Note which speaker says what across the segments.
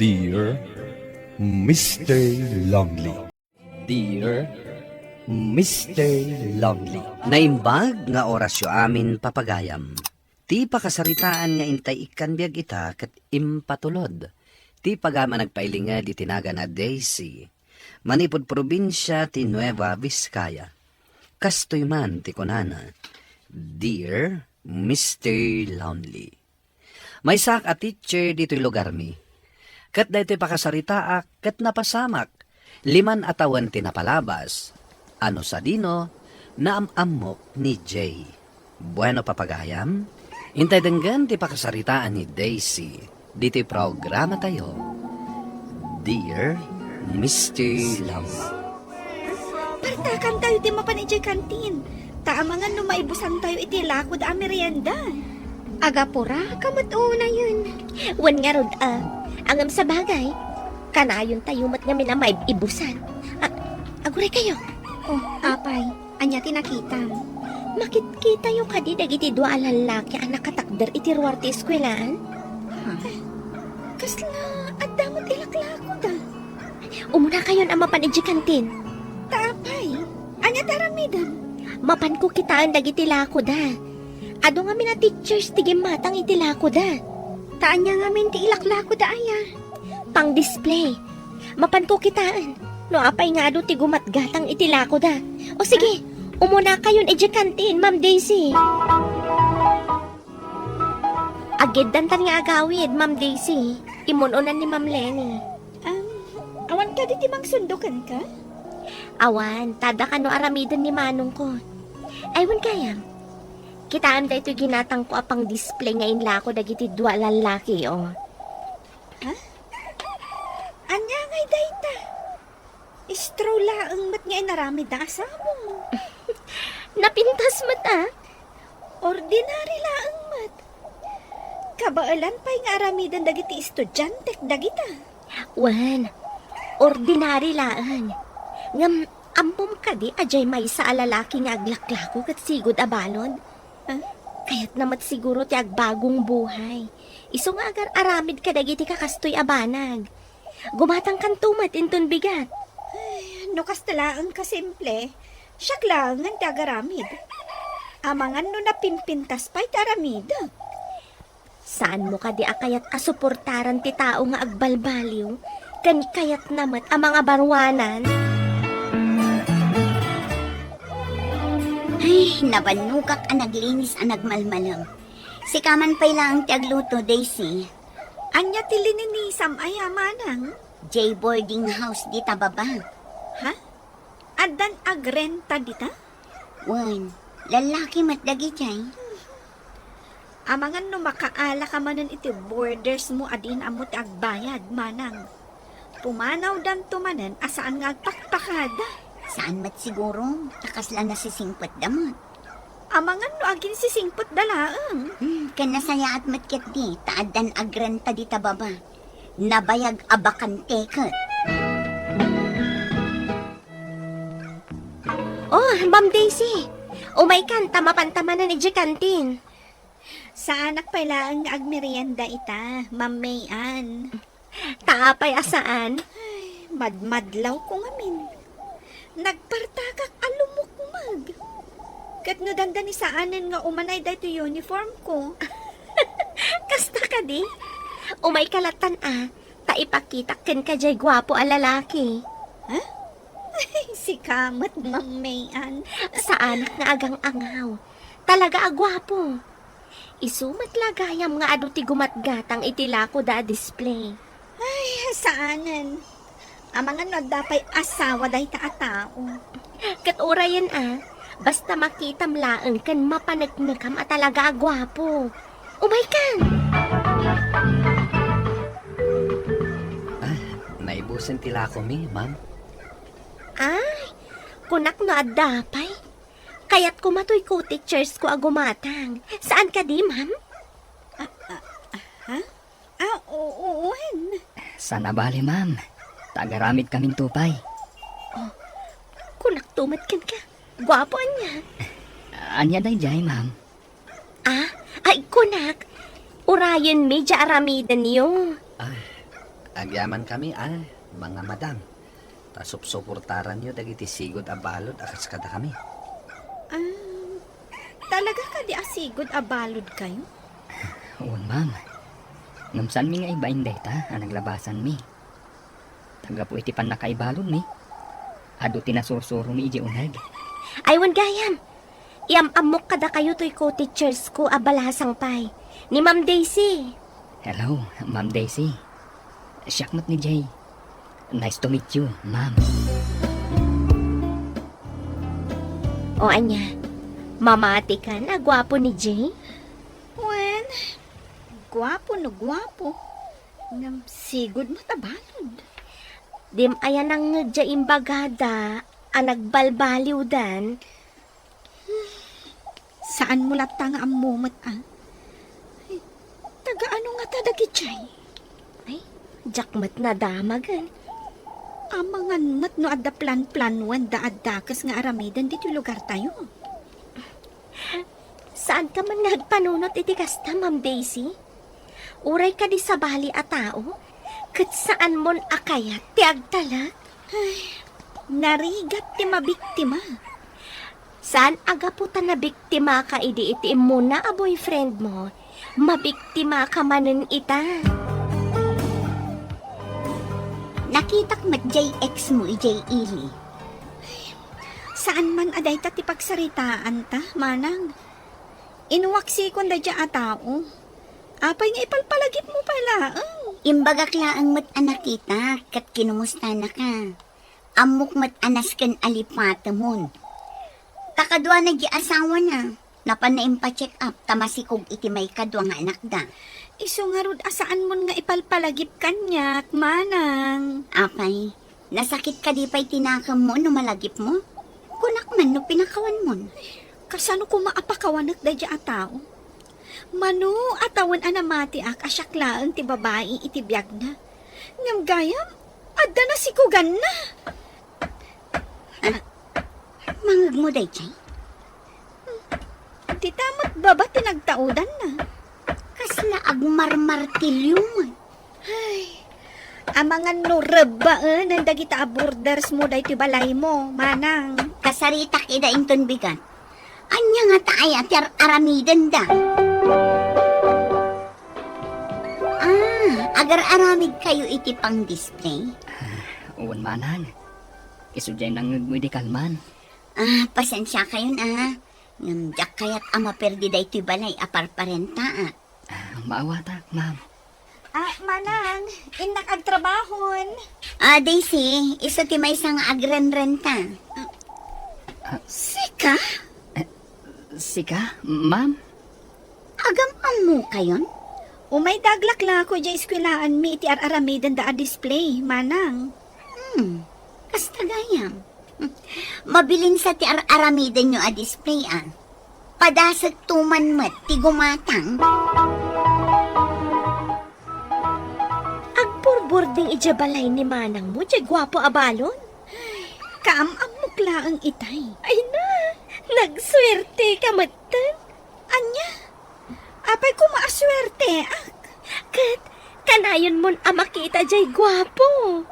Speaker 1: Dear Mr. Lonely.
Speaker 2: Dear Mr. Lonely, naimbag nga orasyo amin papagayam. Ti pakasaritaan nga intay ikan biyag ita kat impatulod. Ti pagama nagpailinga di tinaga na Daisy. Manipod probinsya ti Nueva Vizcaya. Kastoy man ti kunana. Dear Mr. Lonely. May sak a teacher dito'y lugar mi. Kat dayto'y pakasaritaak kat napasamak. 5 atawan tinapalabas. Ano sa dino, naamamok ni Jay. Bueno papagayam, intay denggan ti pakasaritaan ni Daisy. Dito'y programa tayo. Dear Mr. Lonely.
Speaker 3: Partakan tayo ti mapanijay kantin. Taamangan no maibusan tayo iti lakod a merienda.
Speaker 4: Agapura, kamatuuna yun. Wan nga rod, angam sa bagay. Kanayon tayo mat nga mina maibusan. Aguray kayo.
Speaker 3: Oh, apay, anya tinakita.
Speaker 4: Makit-kita yung kadi dagiti dua alalaki ang nakatakder iti ruwar ti eskwelaan.
Speaker 3: Kasla, at damot ilaklako da.
Speaker 4: Umuna kayon ang mapanidji kantin.
Speaker 3: Taapay, anya taramidan.
Speaker 4: Mapan ko kitaan dagiti lako da. Ado nga mina teachers ti gimatang iti lako da.
Speaker 3: Taan niya nga min ti ilaklako da aya.
Speaker 4: Pang display. Mapan ko kitaan. No apay nga ado ti gumatgatang iti lako da. O sige, umuna kayon iti kantin, Ma'am Daisy. Agid dantan nga agawid, Ma'am Daisy. Imununan ni Ma'am Lenny.
Speaker 3: Awan ka di timang sundukan ka?
Speaker 4: Awan, tada ka no aramidan ni manong ko. Aywan kaya. Kitaan da ito ginatang ko apang display ngayon lako dagiti dua lalaki, oh.
Speaker 3: Anya ngay dayta. Istro laang mat nga inaramid na asamo.
Speaker 4: Napintas mata.
Speaker 3: Ordinary laang mat. Kabaalan pa'y nga aramidan dagiti estudyante dagita.
Speaker 4: Wan, ordinary laan. Ngam, ampom ka di, ajay may sa alalaki nga aglaklako kat sigod abalod. Kaya't namat siguro ti agbagong buhay. Iso nga agar aramid ka dagiti kakastoy abanag. Gumatang kan tumat inton bigat.
Speaker 3: No kastalaan ka simple, siyak lang ang tagaramid. Amangan no napimpintas pa'y taramid.
Speaker 4: Saan mo ka di akayat kasuportaran ti tao nga agbalbaliw? Kan kayat namat ang mga barwanan?
Speaker 5: Ay, nabanukak ang naglinis ang nagmalmalang. Si kaman pa'y lang ti agluto, Daisy.
Speaker 3: Anya ti lininisam ay amanang.
Speaker 5: J boarding house di tababa.
Speaker 3: Ha? Adan agrenta dita?
Speaker 5: Wan, lalaki matdagi jay.
Speaker 3: Amangan no makaala ka manan iti borders mo adin amot agbayad manang. Pumanaw dan tumanan asaan nga agpakpakada.
Speaker 5: Saan mat siguro? Takasla na si singpot damot.
Speaker 3: Amangan no agin si singpot dalaang.
Speaker 5: Kan nasaya at matket di, taadan agrenta di tababa. Nabayag abakan teket.
Speaker 4: Oh, Ma'am Daisy. Umay kan, tamapantamanan ni kantin.
Speaker 3: Sa anak pala ang agmerienda ita, Ma'am Mayan.
Speaker 4: Taapay asaan?
Speaker 3: Madmadlaw ko ngamin. Nagpartakak alumukmag. Kat no dandan ni saanan nga umanay dahito uniform ko.
Speaker 4: Kasta ka di? Umay kalatan taipakita ken ka jay gwapo a lalaki.
Speaker 3: Si kamat, Ma'am Mayan.
Speaker 4: Sa anak nga agang angaw. Talaga agwapo. Isumat lagayam nga ado ti gumatgatang itilako da display.
Speaker 3: Ay, saanan. Amangan no dapay asawa dahi ta tao.
Speaker 4: Kat orayan basta makitam laeng kan mapanagmagam at talaga agwapo. Umay kan!
Speaker 2: Naibusin tila ko mi, ma'am.
Speaker 4: Ay, kunak no adapay. Kaya't kumatoy ko teachers ko agumatang. Saan ka di, ma'am?
Speaker 3: Oo.
Speaker 6: Sana bali, ma'am. Tagaramid kaming tupay.
Speaker 4: Kunak tumat kan ka. Gwapo niya.
Speaker 6: Anya day jay, ma'am.
Speaker 4: Ay kunak. Urayan medya aramidan niyo.
Speaker 2: Agyaman kami, mga madam. Tasup-suportaran nyo dagiti sigod a balod akas kada kami.
Speaker 3: Talaga ka di asigod abalod kayo?
Speaker 6: Uwan, ma'am. Ngamsan mi nga ibain data, naglabasan mi. Taga po iti pan nakaibalod mi. Ado tinasursuro mi iji unag.
Speaker 4: Aywan gayam. Iamamok kada kayo to'y co-teachers ko abalasang pay. Ni Ma'am Daisy.
Speaker 6: Hello, Ma'am Daisy. Siyakmat ni Jay. Nice to meet you, ma'am.
Speaker 4: O anya, mamati ka na, gwapo ni Jay.
Speaker 3: Wen, gwapo no gwapo. Ngam sigod mo tabalod.
Speaker 4: Dim ayan ang ngedya imbagada, ang nagbalbaliw dan.
Speaker 3: Saan mo latang ang mumat Ay, taga ano nga tadagi chay?
Speaker 4: Ay, jakmat na damagan.
Speaker 3: Amangan mat no adda plan-planuan da addakas nga aramidan dito lugar tayo.
Speaker 4: Saan ka man nagpanunot iti kasta, Ma'am Daisy? Uray ka di sa bali a tao? Kat saan mon akayat ti agtalag?
Speaker 3: Narigat ti mabiktima.
Speaker 4: Saan agaputan na biktima ka idi iti mo na a boyfriend mo? Mabiktima ka manen ita.
Speaker 5: Nakitak mat JX mo, J. Ili.
Speaker 3: Saan man aday ta ti pagsaritaan ta, manang? Inuwaksi kon da dya a tao. Apay nga ipalpalagip mo pala.
Speaker 5: Imbagak laang mat anak kita, kat kinumusta na ka. Amok mat anas kan alipata mon. Takadwa na asawa na. Napan na impa-check up, tamasikog iti may kadwa nga anak da.
Speaker 3: Iso nga rod asaan mon nga ipalpalagip kanyak, manang.
Speaker 5: Apay, nasakit ka di pa'y tinakam mo no malagip mo? Kunak man no pinakawan mo.
Speaker 3: Kasano ko maapakawanak da dya a tao? Mano atawan anamati ak asyaklaan ti babae iti biyag na. Ngam gayam, adda na sikugan na.
Speaker 5: Mangag mo day, Chay.
Speaker 3: Ti tamot baba tinagtaudan na.
Speaker 5: Kasla agmarmartilyo mo.
Speaker 3: Amangan no rebaan ang dagita aborders mo day ti balay mo, manang.
Speaker 5: Kasarita kida inton bigat. Anya nga taay at aramidan da. Agar-aramid kayo iti pang display.
Speaker 6: Uwan, manang. Isudyay nang medical man.
Speaker 5: Pasensya kayo na. Ngamjak kayat ama perdi da ito'y balay aparparenta.
Speaker 6: Maawata, ma'am.
Speaker 3: Manang, inak agtrabahon.
Speaker 5: Daisy, iso ti may isang agren-renta.
Speaker 3: Sika?
Speaker 6: Sika, ma'am?
Speaker 5: Agam mo kayon?
Speaker 3: Umay daglak ko dya eskwelaan mi iti aramidan da a display, manang.
Speaker 5: Kasta gayam. Mabilin sa ti aramidan nyo a display Padasag tuman mat ti gumatang.
Speaker 4: Agburburding ijabalay ni manang mo, jay gwapo abalon.
Speaker 3: Kaamamukla ang itay.
Speaker 4: Ay na, nagswerte ka matan.
Speaker 3: Anya? Apay ko maaswerte, ak.
Speaker 4: Kat, kanayon mon makita jay gwapo.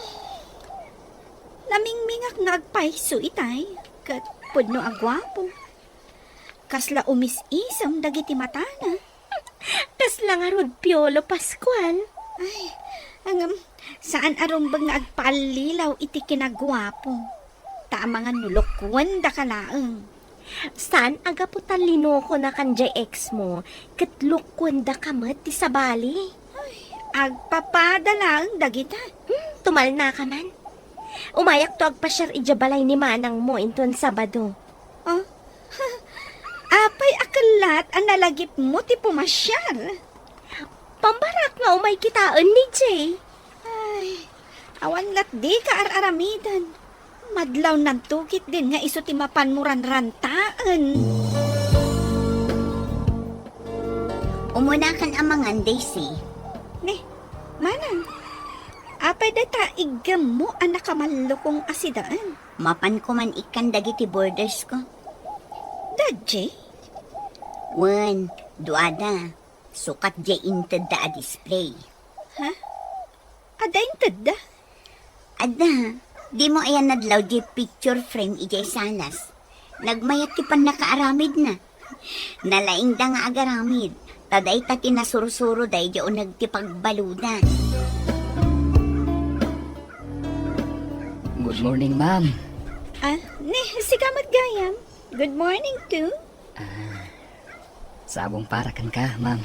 Speaker 3: Namingmingak ngagpaiso itay. Kat pudno agwapo. Kasla umis-isam dagiti matana.
Speaker 4: Kasla nga rod Piolo Pascual.
Speaker 3: Saan arumbag nga agpalilaw iti kinagwapo. Tama nga nulokwan da kalaang.
Speaker 4: Saan agaputan linoko na kanjay ex mo, katlukwan da kamat ti sabali.
Speaker 3: Agpapadala ang dagita.
Speaker 4: Tumal na ka man. Umayak to agpasyar ijabalay ni manang mo inton Sabado.
Speaker 3: Oh, apay akalat ang nalagip mo ti pumasyar.
Speaker 4: Pambarak nga umay kitaan ni Jay.
Speaker 3: Awan lat di ka aramidan. Madlaw ng tukit din nga iso ti mapanmuran rantaan.
Speaker 5: Umunakan amangan, Daisy.
Speaker 3: Manang, apay data igam mo ang nakamalukong asidaan.
Speaker 5: Mapan ko man ikan dagiti borders ko.
Speaker 3: Dadje?
Speaker 5: Duada. Sukat jay inted da a display. Da, di mo ayan nadlaw di picture frame ijay salas. Nagmayat ti pan nakaaramid na. Nalaing da nga agaramid. Taday ta tinasursuro day di o nagtipagbaludan.
Speaker 6: Good morning, ma'am.
Speaker 3: Si Kamat Gayam. Good morning, too.
Speaker 6: Sabong para kan ka, ma'am.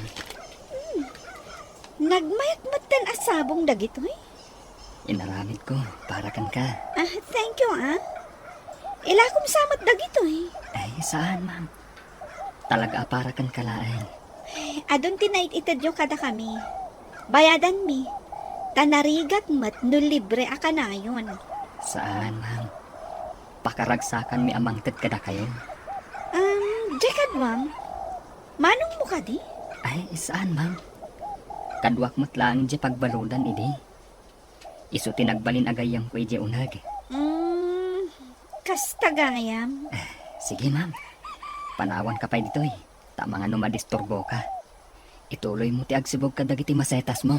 Speaker 3: Nagmayat matan asabong dagitoy.
Speaker 6: Inaramid ko para kan ka.
Speaker 3: Thank you, Ila kong samat dagitoy.
Speaker 6: Ay, saan, ma'am? Talaga para kan kalaan.
Speaker 3: Adon tinait itadyo kada kami. Bayadan mi. Tanarigat mat no libre akanayon.
Speaker 6: Saan, ma'am? Pakaragsakan mi amangted kada kayo.
Speaker 3: Jekad, ma'am. Manong mo ka di?
Speaker 6: Ay, saan, ma'am? Kadwak mo't lang di pagbaludan, idi. Isu tinagbalin agayang ko iji unag.
Speaker 3: Kastagayam.
Speaker 6: Sige, ma'am. Panawan ka pa dito, eh. Tama nga no madisturbo ka. Ituloy mo ti agsibog ka dagiti masetas mo.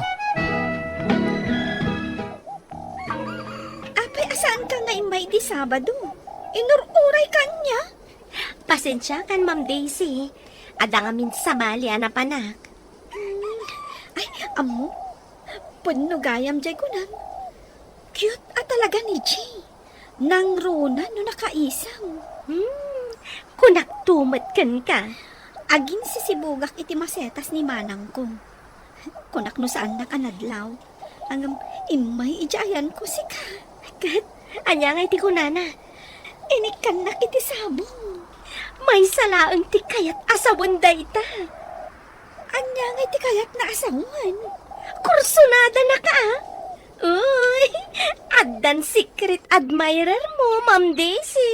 Speaker 3: Apay, asaan ka nga imay di Sabado? Inururay ka niya?
Speaker 4: Pasensya kan, Ma'am Daisy. Ada nga min sa mali, panak.
Speaker 3: Ay, amo. Puno gayam jay ko nan. Cute talaga ni Jay. Nang runa no nakaisang.
Speaker 4: Kunak tumat kan ka.
Speaker 3: Agin sisibugak iti masetas ni manang ko. Kunak no saan nakanadlaw. Hanggang imay ijayan ko si ka.
Speaker 4: Kat, anya nga iti kunana.
Speaker 3: Inikan na iti sabong.
Speaker 4: May salaang ti kayat asawan dayta.
Speaker 3: Anya nga iti kayat na asawan.
Speaker 4: Kursunada na ka. Uy, addan secret admirer mo, Ma'am Daisy.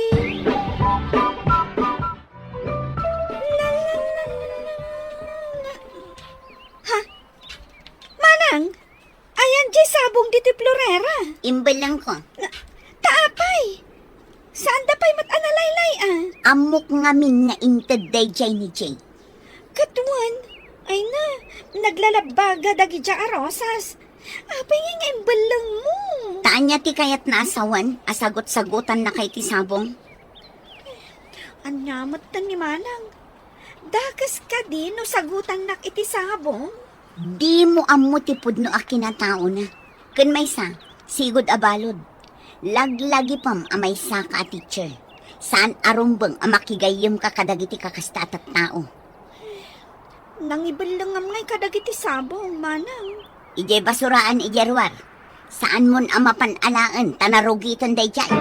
Speaker 3: Manang, ayan jay sabong diti Florera.
Speaker 5: Imbal lang ko.
Speaker 3: Taapay. Saan da pa'y mat-analaylay
Speaker 5: Amok ngamin nga inted day jay ni Jay.
Speaker 3: Katuan, ay na, naglalabaga dagi dya arosas. Apay nga imbalang mo.
Speaker 5: Taan niya ti kayat na asawan, asagot-sagutan na kay ti sabong.
Speaker 3: Anyamot tan ni Manang. Dakas ka din no sagutan nak iti sabong.
Speaker 5: Di mo amo ti pudno a kinatao na. Kun may sa, sigod abalod. Laglagi pam amay sa ka teacher. Saan arumbang amakigayim ka kadagiti kakastatat tao.
Speaker 3: Nangibalang ngay kadagiti sabong, Manang.
Speaker 5: Ijay basuraan ijarwar. Saan mon amapan-alaan tanarugitan day jay.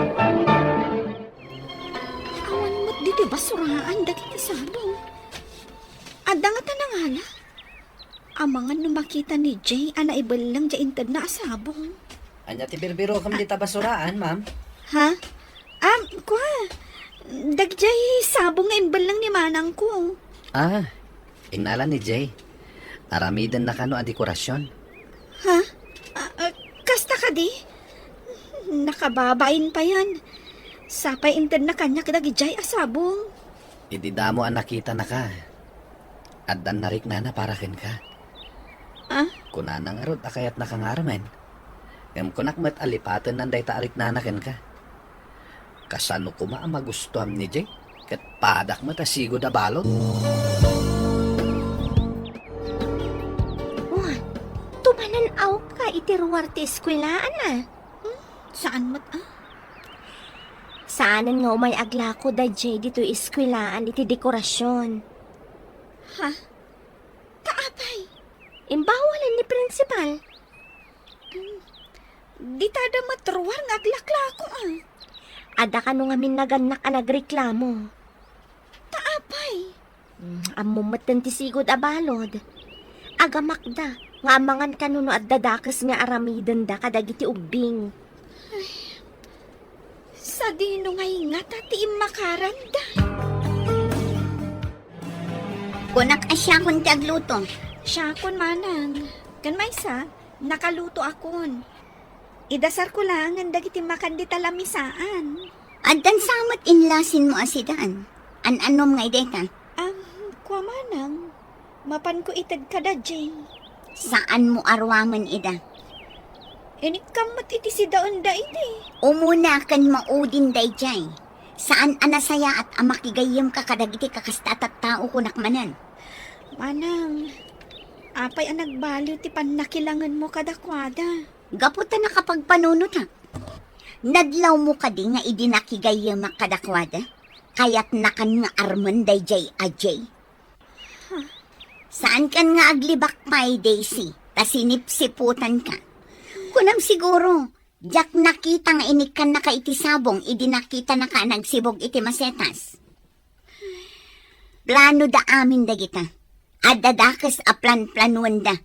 Speaker 3: Awan mo't diti basuraan dagiti sabong. Adda nga tanangala. Amangan no makita ni Jay, ibalang dya intad na asabong.
Speaker 2: Anya ti birbiro kam dita basuraan, ma'am.
Speaker 3: Ha? Kwa. Dagjay sabong nga imbalang ni Manang ko.
Speaker 2: Inala ni Jay. Aramidan na kano a dekorasyon.
Speaker 3: Ha? Kasta ka di? Nakababain pa yan. Sapay intad na kanya kadagjay asabong.
Speaker 2: Ididamo ang nakita na ka. Addan narik na para ken ka. Kunanang arod akayat nakangaramen. Ngam kunak met alipatan nanday taarik na ken ka. Kasano ko magustuhan ni Jay? Kat padak matasigo da balot.
Speaker 4: Tumanan aw ka itiruwar ti eskwelaan na.
Speaker 3: Saan mat
Speaker 4: Saanan nga may aglako da Jay dito eskwelaan iti dekorasyon.
Speaker 3: Ha? Taapay.
Speaker 4: Imbawalan ni principal.
Speaker 3: Di tada matruwar nga aglaklako
Speaker 4: Ada ka nung amin naganak a nagreklamo.
Speaker 3: Taapay.
Speaker 4: Amo matan ti sigod abalod. Agamakda, nga amangan ka nuno at dadakas nga aramidan da kadagiti ubing.
Speaker 3: Sa dino ngay nga tati makaranda.
Speaker 5: Kunak asya kun ti agluto.
Speaker 3: Siya kon Manang. Kan maysa, nakaluto akon. Idasar ko lang ang dagiti makandi talamisaan.
Speaker 5: Addan samat inlasin mo asidan. An-anom nga ideta.
Speaker 3: Kwa Manang, mapan ko itad kada Jay.
Speaker 5: Saan mo arwaman ida?
Speaker 3: Inikamot iti si daon da iti.
Speaker 5: Umuna kan maudin dayjay. Saan anasaya at amakigayam ka kadagiti kakastat at tao kunakmanan.
Speaker 3: Manang, apay ang nagbaliw ti panakilangan mo kadakwada.
Speaker 5: Gaputa na kapag panunot ha. Nadlaw mo ka di nga idinakigayam kadakwada. Kaya't nakan nga arman dayjay ajay. Saan kan nga aglibak pay, Daisy? Ta sinipsiputan ka. Kunam siguro, jak nakita nga inikan na ka iti sabong, idinakita na ka nagsibog iti masetas. Plano da amin da kita. Adadakas a plan-planuan da.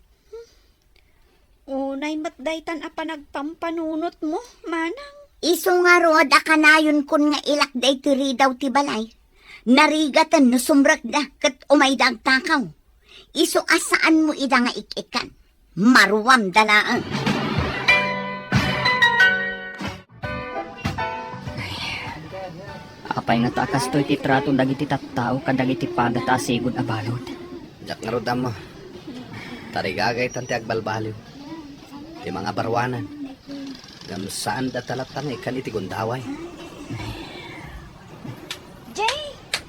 Speaker 3: Unay matdaytan a panagpampanunot mo, manang.
Speaker 5: Iso nga road a kanayon kun nga ilak da iti ridaw ti balay. Narigatan no sumrak da kat umaydag takaw. Iso asaan mo ida nga ikikan. Maruwam dalaan.
Speaker 6: Apay nga takas to iti trato dagiti tattao kadagiti padata sigud a balod.
Speaker 2: Jak nga rodam mo. Tarigagay tanti agbalbaliw. Ti mga barwanan. Ngam saan da talatang ikan iti gundaway.
Speaker 3: Jay!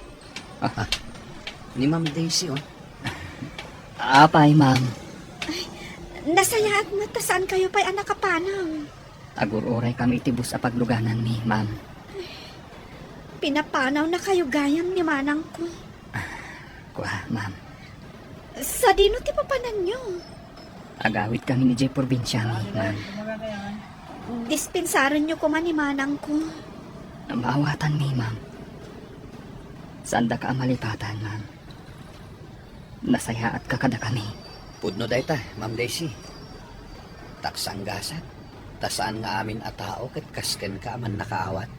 Speaker 2: Ni Ma'am Daisy, oh.
Speaker 6: Apay, ma'am.
Speaker 3: Nasaya at mata saan kayo pa'y anak kapanang.
Speaker 6: Agururay kami iti bus a pagluganan mi, ma'am.
Speaker 3: Pinapanaw na kayo gayam ni manang ko.
Speaker 6: Kuha, ma'am.
Speaker 3: Sa dino ti papanan nyo.
Speaker 6: Agawit kami ni Jay Provinciani, ma'am.
Speaker 3: Dispensaran nyo ko man ni manang ko.
Speaker 6: Maawatan mi, ma'am. Saan da ka amalipatan, ma'am? Nasaya at kakada kami.
Speaker 2: Pudno dayta, Ma'am Daisy. Taksang gasat. Tasaan nga amin a tao ket kasken ka man nakaawat.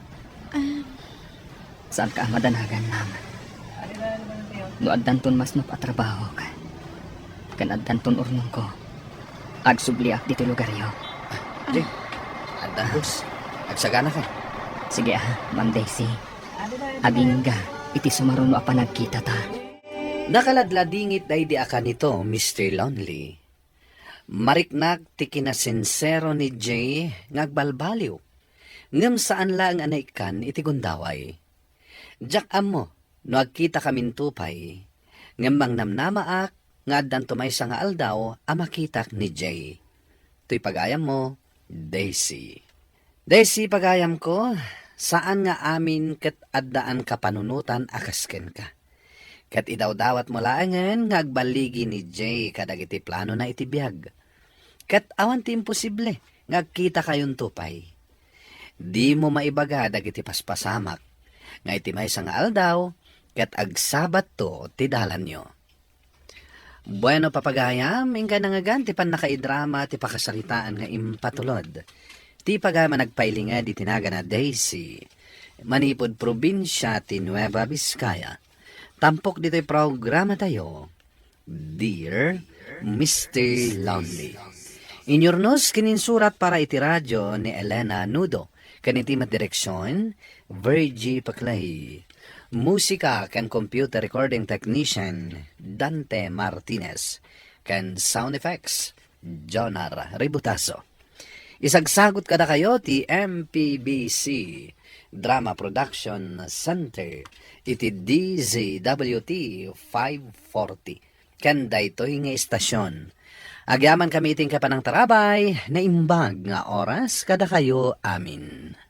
Speaker 6: Saan ka madanagan, ma'am? No addanton mas no patrabaho ka. Kan addanton urnong ko. Agsubliak dito lugaryo.
Speaker 2: Jay, andahos. Agsagana ka.
Speaker 6: Sige Ma'am Daisy. Abingga, iti sumaruno a panagkita ta.
Speaker 2: Nakaladladingit day di aka nito, Mr. Lonely. Mariknak ti kinasinsero ni Jay ngagbalbaliw. Ngam saan lang anaikan iti gundaway. Jak amo, no agkita kamin tupay. Ngam mang namnamaak, nga addan tumay sa nga aldaw, amakitak ni Jay. To'y pagayam mo, Daisy. Daisy, pagayam ko, saan nga amin ket addaan ka panunutan akasken ka. Kat idaw-dawat mo laangan nga agbaligi ni Jay kadagiti plano na itibiyag. Kat awan ti imposible nga agkita kayon tupay. Di mo maibaga dagiti paspasamak nga iti may nga aldaw kat agsabat to ti dalan nyo. Bueno papagayam, ingka nangagan ti pan nakaidrama ti pakasaritaan nga impatulod. Ti pagama nagpailinga di tinaga na Daisy, manipod probinsya ti Nueva Vizcaya. Tampok dito'y programa tayo, Dear Mr. Lonely. Inyornos kininsurat para iti radyo ni Elena Nudo, kanitimat direksyon, Virgie Paclay. Musika kan computer recording technician, Dante Martinez. Kan sound effects, Jonar Ributaso. Isagsagot kada kayo ti MPBC Drama Production Center iti DZWT 540 kanda ito'y nga istasyon. Agyaman kami iting kapanang tarabay na imbag nga oras kada kayo amin.